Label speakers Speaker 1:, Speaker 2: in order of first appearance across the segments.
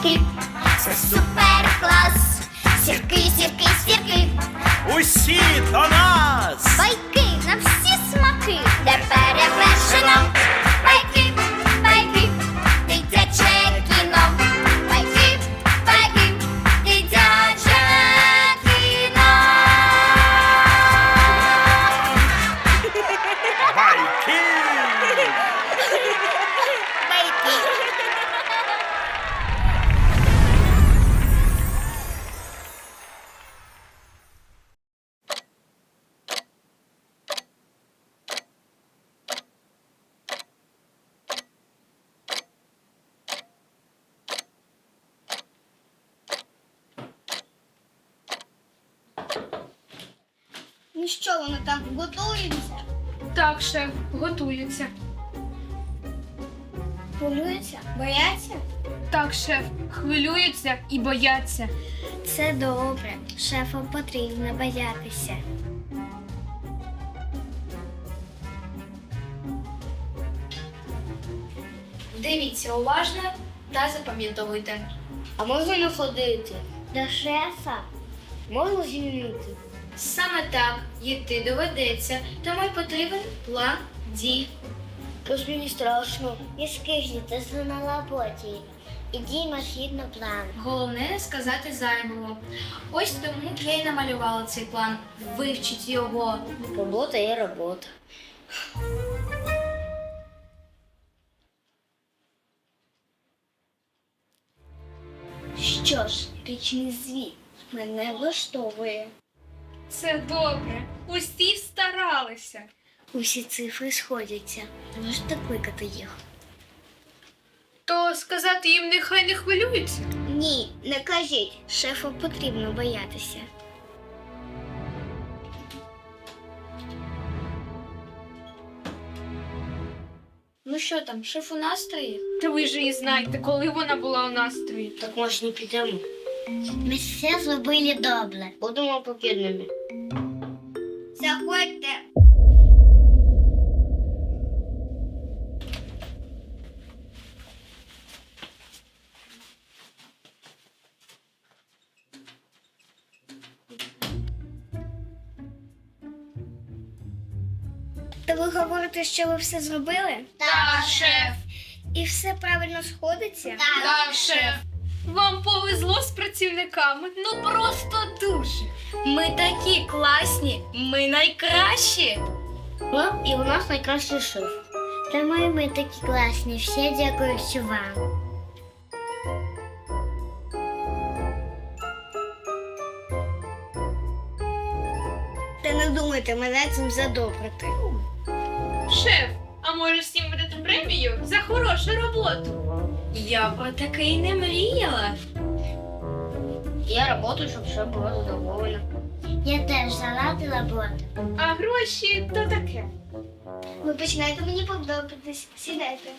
Speaker 1: сірки, це супер клас. Сірки, сірки, сірки,
Speaker 2: Усі до нас!
Speaker 1: байки на всі смаки, де перевершено. Байки, байки, дитяче кіно. Байки, байки, дитяче кіно.
Speaker 2: Байки!
Speaker 1: Ну що, вони там готуються?
Speaker 3: Так, шеф, готуються.
Speaker 1: Хвилюються? Бояться?
Speaker 3: Так, шеф, хвилюються і бояться.
Speaker 1: Це добре. Шефу потрібно боятися.
Speaker 3: Дивіться уважно та запам'ятовуйте.
Speaker 1: А можна не ходити? До шефа? Можна звільнити?
Speaker 3: Саме так, йти доведеться, тому й потрібен план дій.
Speaker 1: Тож мені страшно. І скажіть, ти на роботі. І діймо згідно плану.
Speaker 3: Головне не сказати зайвого. Ось тому я й намалювала цей план. Вивчіть його.
Speaker 1: Робота є робота. Що ж, річний звіт мене влаштовує.
Speaker 3: Це добре. Усі старалися.
Speaker 1: Усі цифри сходяться. Можете кликати їх?
Speaker 3: То сказати їм нехай не хвилюються?
Speaker 1: Ні, не кажіть. Шефу потрібно боятися.
Speaker 3: Ну що там, шеф у настрої? Та ви ж її знаєте, коли вона була у настрої.
Speaker 1: Так може не підемо. Ми все зробили добре. Будемо покірними. Заходьте. То ви говорите, що ви все зробили?
Speaker 3: Так, шеф.
Speaker 1: І все правильно сходиться?
Speaker 3: Так, шеф. Вам повезло з працівниками. Ну просто дуже. Ми такі класні, ми найкращі.
Speaker 1: Ну, і у нас найкращий шеф. Та ми такі класні, всі дякуючи вам. Та не думайте мене цим задобрити.
Speaker 3: Шеф, а може всім видати премію за хорошу роботу? Я про таке й не мріяла.
Speaker 1: Я працюю, щоб все було задоволено. Я теж заради роботи.
Speaker 3: А гроші то таке.
Speaker 1: Ви починаєте мені подобатись. Сідайте.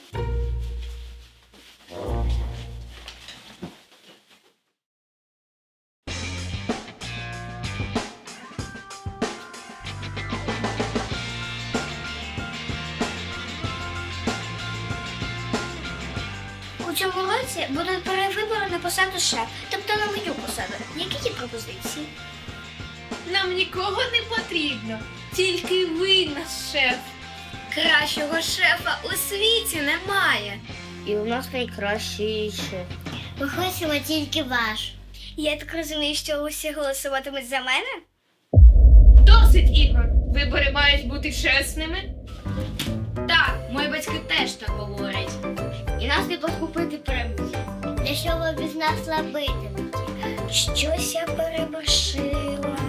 Speaker 1: У цьому році будуть перевибори на посаду шеф, тобто на мою посаду. Які є пропозиції?
Speaker 3: Нам нікого не потрібно, тільки ви наш шеф. Кращого шефа у світі немає.
Speaker 1: І у нас найкращий шеф. Ми хочемо тільки ваш. Я так розумію, що усі голосуватимуть за мене?
Speaker 3: Досить, Ігор. Вибори мають бути чесними. Так, мої батьки теж так говорять.
Speaker 1: І нас не покупити премію. Для що ви без нас робитимете? Щось я переборщила.